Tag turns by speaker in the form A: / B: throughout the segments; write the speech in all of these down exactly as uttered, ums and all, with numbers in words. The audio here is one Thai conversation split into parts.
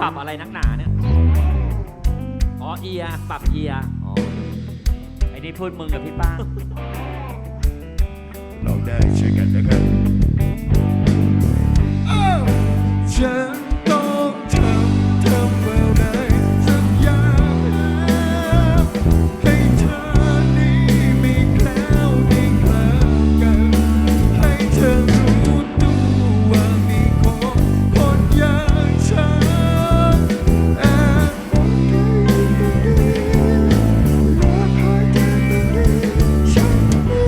A: ปรับอะไรนักหนาเนี่ยอ๋อเอียปรับเอียอ๋อไอ้นี่พูดมึงกับพี่ป้า
B: เราได้ช่วยกันนะครับฉันต้องทำทำอะไรสักอย่างให้เธอนี้มีแคล้วมีคลากันให้เธอรู้ตัวว่ามีคนคนอย่างฉันแอบมองเธออยู่ตรงนี้รักใครกันตรงนี้ฉันรู้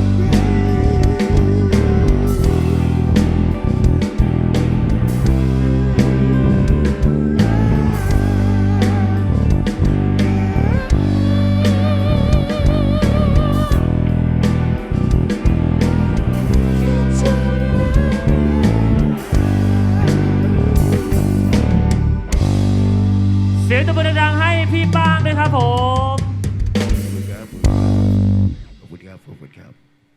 A: เสียงตบมือดังๆให้พี่ป้างด้วยครับผม
B: ขอบคุณครับขอบคุณครับ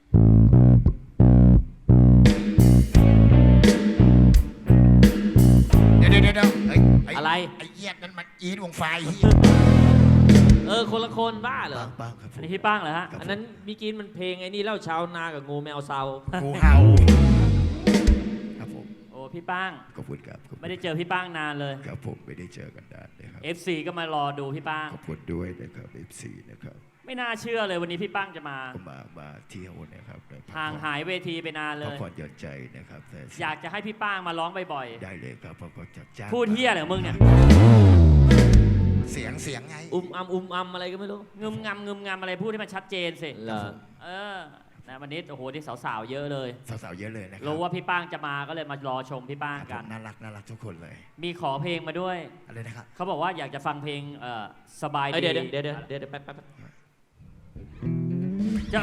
B: เดี๋ยวเดี๋ยวเดี๋ยวเฮ้ยอะไรไอ้เหี้ยนั่นมันอีทวงไฟเหี้ย
A: เออคนละคนบ้าเหรอ
B: บ้างครับ
A: อันนี้พี่ป้างเหรอฮะอันนั้นมีกินมันเพลงไอ้นี่เล่าชาวนากับงูแมวเซา
B: งูเห่าครับผม
A: โอ้พี่ป้าง
B: ขอบคุณครับ
A: ไม่ได้เจอพี่ป้างนานเลย
B: ครับผมไม่ได้เจอกันนานเลยครับ
A: เอฟ ซี ก็มารอดูพี่ป้าง
B: ขอบคุณด้วยนะครับ เอฟ ซี นะครับ
A: ไม่น่าเชื่อเลยวันนี้พี่ป้างจะมา
B: ก็มามาเที่ยวนะครับ
A: ห่างหายเวทีไปนานเลย
B: พักผ่อนหย่อนใจนะครับ
A: อยากจะให้พี่ป้างมาร้องบ่อย
B: ๆได้เลยครับเพราะก็จะจ้าง
A: พูดเฮียอะไรของมึงเนี่ย
B: เสียงเสียงไง
A: อุ้มอัมอุ้มอัมอะไรก็ไม่รู้งึมงำงึมงำอะไรพูดให้มันชัดเจนสิเออนะวันนี้โอ้โหที่สาวๆเยอะเลย
B: สาวๆเยอะเลยนะครับ
A: รู้ว่าพี่ป้างจะมาก็เลยมารอชมพี่ป้างกัน
B: น่ารักน่ารักทุกคนเลย
A: มีขอเพลงมาด้วย
B: อะไรนะครับ
A: เขาบอกว่าอยากจะฟังเพลงสบายดี
C: เดี๋ยวเดี๋ยวเดี๋ยวเดี๋ยวแป๊บแป๊บ
A: จะ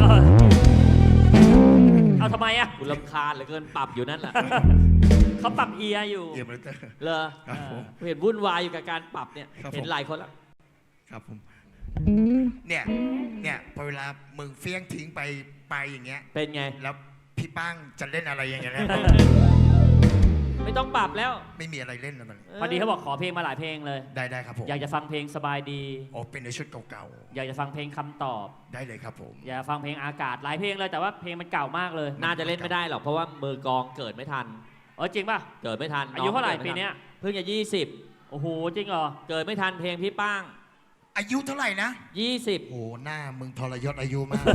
A: เอาทำไมอ่ะ
C: กูรำคาญเหลือเกินปรับอยู่นั่นแหละ
A: เขาปรับเอียอยู่
B: เอียมเลย
C: เหรอเห็นวุ่นวายอยู่กับการปรับเนี่ยเห็นหลายคนแล้ว
B: ครับผมเนี่ยเนี่ยพอเวลามึงเฟี้ยงทิ้งไปไปอย่างเงี้ย
C: เป็นไง
B: แล้วพี่ป้างจะเล่นอะไรอย่างเงี้ย
C: ไม่ต้องปรับแล้ว
B: ไม่มีอะไรเล่นแล้วมัน
A: พอดีเขาบอกขอเพลงมาหลายเพลงเลย
B: ได้ได้ครับผม
A: อยากจะฟังเพลงสบายดี
B: อ๋อเป็นในชุดเก่า
A: ๆอยากจะฟังเพลงคำตอบ
B: ได้เลยครับผม
A: อยากฟังเพลงอากาศหลายเพลงเลยแต่ว่าเพลงมันเก่ามากเลย
C: น่าจะเล่นไม่ได้หรอกเพราะว่ามือกองเกิดไม่ทัน
A: เออจริงป่ะ
C: เกิดไม่ทัน
A: อายุเท่าไหร่ปีนี้
C: เพิ่งจะยี่สิบ
A: โอ้โหจริงเหรอ
C: เกิดไม่ทันเพลงพี่ป้าง
B: อายุเท่าไหร่นะ
C: ยี่สิบ
B: โอ้หน้ามึงทรยศอายุมาก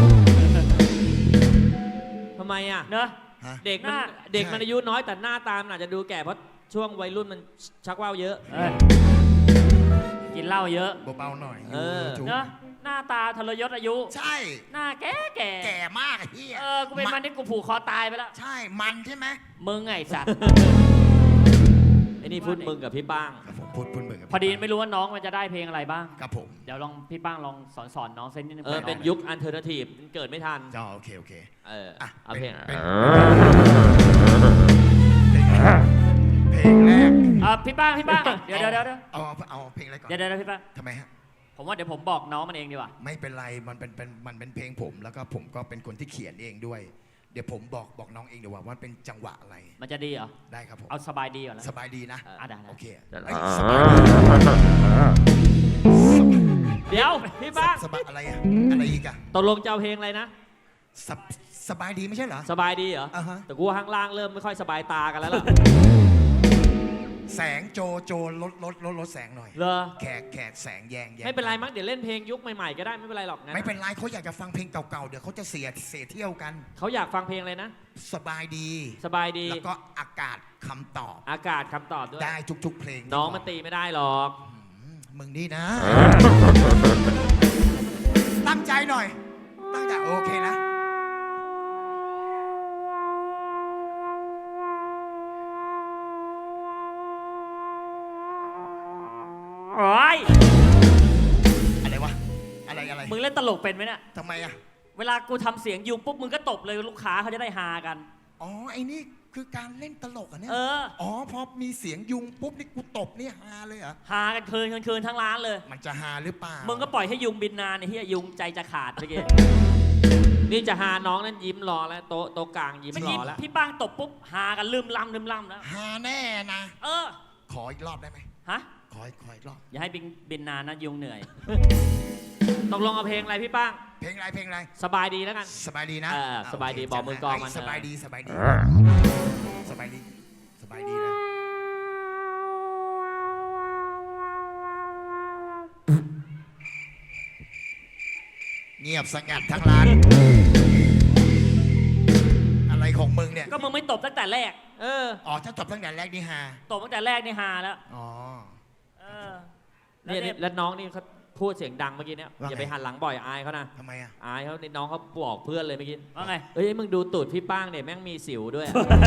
C: ทำไมอ่ะ
A: เนอะ
C: เด็กมันเด็กมันอายุน้อยแต่หน้าตามอาจจะดูแก่เพราะช่วงวัยรุ่นมันชักว่าวเยอะ
A: กินเหล้าเยอะ
B: เบาๆหน่อย
C: เออ
A: เนอะหน้าตาทรยศอายุ
B: ใช่
A: หน้าแก่แก่
B: แก่มากไอ้พี่
A: เออกูเป็นมันที่กูผูกคอตายไปแล้ว
B: ใช่มันใช่ไหม
A: มึงไงสัตว์
C: ไอ้นี่พูดมึงกับพี่ป้าง
B: พูดพูดมึงกับ
A: พอดีไม่รู้ว่าน้องมันจะได้เพลงอะไรบ้าง
B: ครับผม
A: เดี๋ยวลองพี่ป้างลองสอนสอนน้องเซนนิดนึง
C: เออเป็นยุคอันเทอร์เนทีฟเกิดไม่ทัน
B: อ๋อโอเคโอเค
C: เอออ่ะเอาเพลง
B: เพลงแรก
A: อ่ะพี่ป้างพี่ป้างเดี๋ยวเดี๋ยวเดี๋ยว
B: เอาเอาเพลงอะไรก่อน
A: เดี๋ยวเดี๋ยวพี่ป้าง
B: ทำไมฮะ
A: ผมว่าเดี๋ยวผมบอกน้องมันเองดีกว่า
B: ไม่เป็นไรมันเป็นเป็นมันเป็นเพลงผมแล้วก็ผมก็เป็นคนที่เขียนเองด้วยเดี๋ยวผมบอกบอกน้องเองดีกว่าว่าเป็นจังหวะอะไร
A: มันจะดีเหรอ
B: ได้ครับผม
A: เอาสบายดีก่อนนะ
B: สบายดีนะ
A: อ่ะได้
B: โอเค
A: เดี๋ยวพี่ป้าง
B: สบายอะไรอะอะไรอีกอะ
C: ตกลงจะเอาเพลงอะไรนะ
B: สบายดีไม่ใช่เหรอ
C: สบายดีเหรอแต่กูข้างล่างเริ่มไม่ค่อยสบายตากันแล้วล่ะ
B: แสงโจโจลดลดลดลดแสงหน่อย
C: เหรอ
B: แขกแขกแสงแยงแยง
C: ไม่เป็นไรมั้งเดี๋ยวเล่นเพลงยุคใหม่ๆก็ได้ไม่เป็นไรหรอกนะ
B: ไม่เป็นไรเขาอยากจะฟังเพลงเก่าๆเดี๋ยวเขาจะเสียเสียเที่ยวกัน
C: เขาอยากฟังเพลงอะไรนะ
B: สบายดี
C: สบายดี
B: แล้วก็อากาศคำตอบ
C: อากาศคำตอบด้วย
B: ได้ทุกๆเพลง
C: น้องมันตีไม่ได้หรอก
B: มึงนี่นะตั้งใจหน่อยตั้งใจโอเคนะ
A: โอ้ย
B: อะไรวะอะไรอะไร
A: มึงเล่นตลกเป็นไหมเนี่ย
B: ทำไมอะ
A: เวลากูทำเสียงยูปุ๊บมึงก็ตบเลยลูกค้าเขาจะได้ฮากัน
B: อ๋อไอ้นี่คือการเล่นตลกอ่ะเนี่ย
A: เออ
B: อ๋อพอมีเสียงยุงปุ๊บนี่กูตบนี่ฮาเลยเหรอ
A: ฮากันคืนคืนทั้งร้านเลย
B: มันจะฮาหรือเปล่า
A: มึงก็ปล่อยให้ยุงบินนานไอ้เหี้ยยุงใจจะขาดเมื่อกี้
C: นี่จะฮาน้องนั่นยิ้มรอแล้วโต๊ะโต๊ะกลางยิ้มรอแล้ว
A: พี่ป้างตบปุ๊บฮากันลืมล่ำลืมล่ำแล้ว
B: ฮาแน่นะ
A: เออ
B: ขอออีกรอบได้ไหม
A: ฮะ
B: ขอขออีกรอบ
A: อย่าให้บินบินนานนะยุงเหนื่อย
C: ตกลงเอาเพลงอะไรพี่ป้าง
B: เพลงอะไรเพลงอะไร
C: สบายดีแล้วกัน
B: สบายดีนะ
C: เออสบายดี
B: โเค
C: บอกมือกลองมัน
B: สบายดีสบายดีสบายดีสบายดีนะเงียบสงัดทั้งร้าน อะไรของมึงเนี่ย
A: ก็มึงไม่ตบตั้งแต่แรก
C: เออ
B: อ๋อถ้าจบตั้งแต่แรกนี่ฮา
A: ตบตั้งแต่แรกนี่ฮาแล้ว
B: อ๋อ
A: เออแล้ว
C: เนี่ย
A: เนี่ย
C: แล้วน้องนี่เขาพูดเสียงดังเมื่อกี้เนี่ย
B: ว่าไง
C: อย่าไปหันหลังบ่อยอายเขานะ
B: ทำไมอ่ะ
C: อายเขานี่น้องเขาบอกเพื่อนเลยเมื่อกี้
A: ว่าไง
C: เอ้ยมึงดูตูดพี่ป้างเนี่ยแม่งมีสิวด้วย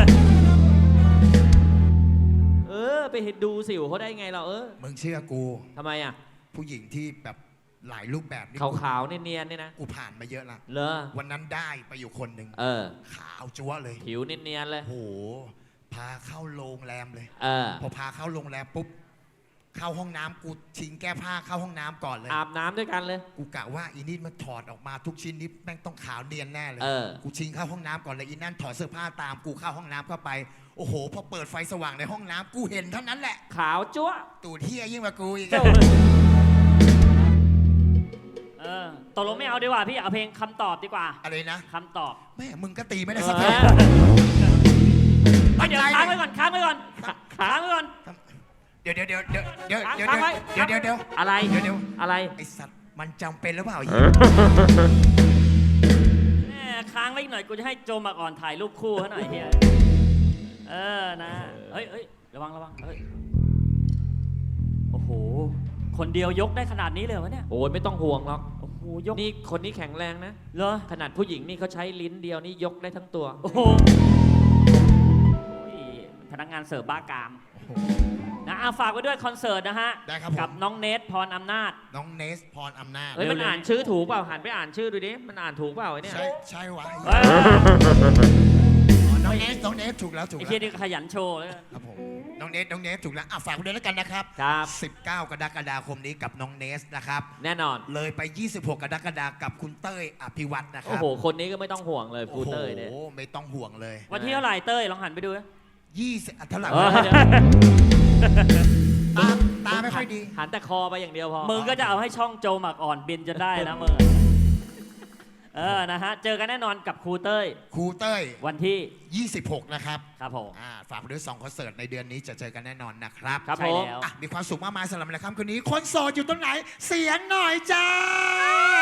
C: เออไปเห็นดูสิวเขาได้ไงเราเออ
B: มึงเชื่อกู
C: ทำไมอ่ะ
B: ผู้หญิงที่แบบหลายรูปแบบนี่
C: ขาวขาวๆเนียนๆเนี่ยนะ
B: กูผ่านมาเยอะละ
C: เลอ
B: วันนั้นได้ไปอยู่คนหนึ่ง
C: เออ
B: ขาวจั๊วเลย
C: ผิวเนียนๆเลย
B: โอ้โหพาเข้าโรงแรมเลย
C: เออ
B: พอพาเข้าโรงแรมปุ๊บเข้าห้องน้ำกูชิงแก้ผ้าเข้าห้องน้ำก่อนเลย
C: อาบน้ำด้วยกันเลย
B: กูกะว่าอีนี่มันถอดออกมาทุกชิ้นนี้แม่งต้องขาวเนียนแน่เลย
C: เออ
B: กูชิงเข้าห้องน้ำก่อนเลยอีนั่นถอดเสื้อผ้าตามกูเข้าห้องน้ำเข้าไปโอ้โหพอเปิดไฟสว่างในห้องน้ำกูเห็นเท่านั้นแหละ
C: ขาวจั๊ว
B: ตูดเที่ยยิ่งกว่ากูอีก
C: เจ้า
A: เออตกลงไม่เอาดีกว่าพี่เอาเพลงคำตอบดีกว่า
B: อะไรนะ
A: คำตอบ
B: แม่มึงก็ตีไม่ได้
C: เอ
B: สักที
C: อ
A: เดี๋ยวค้างไว้ก่อนค้างไว้ก่อนค้างไว้ก่อน
B: เดี๋ยวเดี๋ยวเดี๋ยวเดี๋ยวเดี๋ยวเดี๋ยว
C: ค้างไว้
B: เดี๋ยวเดี๋ยวเดี๋ยว
C: อะไร
B: เดี๋ยวเดี๋ยว
C: อะไร
B: ไอสัตว์มันจำเป็นหรือเปล่า
A: แม่ค้างไว้อีกหน่อยกูจะให้โจมาก่อนถ่ายรูปคู่ให้หน่อยเฮียเออนะเฮ้ยเฮ้ยระวังระวังเฮ้ยโอ้โหคนเดียวยกได้ขนาดนี้เลยเหรอวะเนี่ย
C: โอ้ยไม่ต้องห่วงหรอก
A: โอ้โหยก
C: นี่คนนี้แข็งแรงนะ
A: เหรอ
C: ขนาดผู้หญิงนี่เขาใช้ลิ้นเดียวนี่ยกได้ทั้งตัว
A: โอ้โหโอ้ยพนักงานเสิร์ฟบ้ากามนะอาฝากไว้ด้วยคอนเสิร์ตนะฮะ
B: ได้ครับผม
A: กับน้องเนทพรอำนาจ
B: น้องเนสพรอำนาจ
C: เฮ้ยมัน
A: เร็วๆ
C: อ่านชื่อถูกเปล่าหันไปอ่านชื่อดูดิมันอ่านถูกเปล่าไอ้เนี่ย
B: ใช่ใช่วะ
A: เฮ้ย
B: อ๋อน้องเนสน้องเนสถูกแล้วถูก
A: ไอ้
B: แล้ว
A: เฮียนี่ขยันโชว์เลย
B: ครับผมน้องเนสน้องเนสถูกแล้วอ่ะฝากไว้ด้วยแล้วกันนะครับ
C: ครับ
B: สิบเก้ากรกฎาคมนี้กับน้องเนสนะครับ
C: แน่นอน
B: เลยไป ยี่สิบหก กรกฎาคมกับคุณเต้ยอภิวัตนะค
C: โอ้
B: รับ
C: โหคนนี้ก็ไม่ต้องห่วงเลยฟูเตอร์เนี่ย
B: โอ้โหไม่ต้องห่วงเลย
A: วันที่เท่าไหร่เต้ยลองหันไปดูนะ
B: ยี่สิบเท่าไหร่
C: เออ
B: วะ
C: เดี๋ยว
B: ตาตาไม่ค่อยดี
C: หันแต่คอไปอย่างเดียวพอ
A: มึงก็จะเอาให้ช่องโจหมักอ่อนบินจะได้นะมึงเออนะฮะเจอกันแน่นอนกับครูเต้ย
B: ครูเต้ย
A: วันที่
B: ยี่สิบหกนะครับ
A: ครับผม
B: อ่าฝากไปด้วยสองคอนเสิร์ตในเดือนนี้จะเจอกันแน่นอนนะครับ
C: ครับ
A: ใช่
C: ผม
A: แล้ว
B: อ่ะมีความสุขมากมายสำหรับในค่ำคืนนี้คนโสดอยู่ตรงไหน เสียงหน่อยจ้า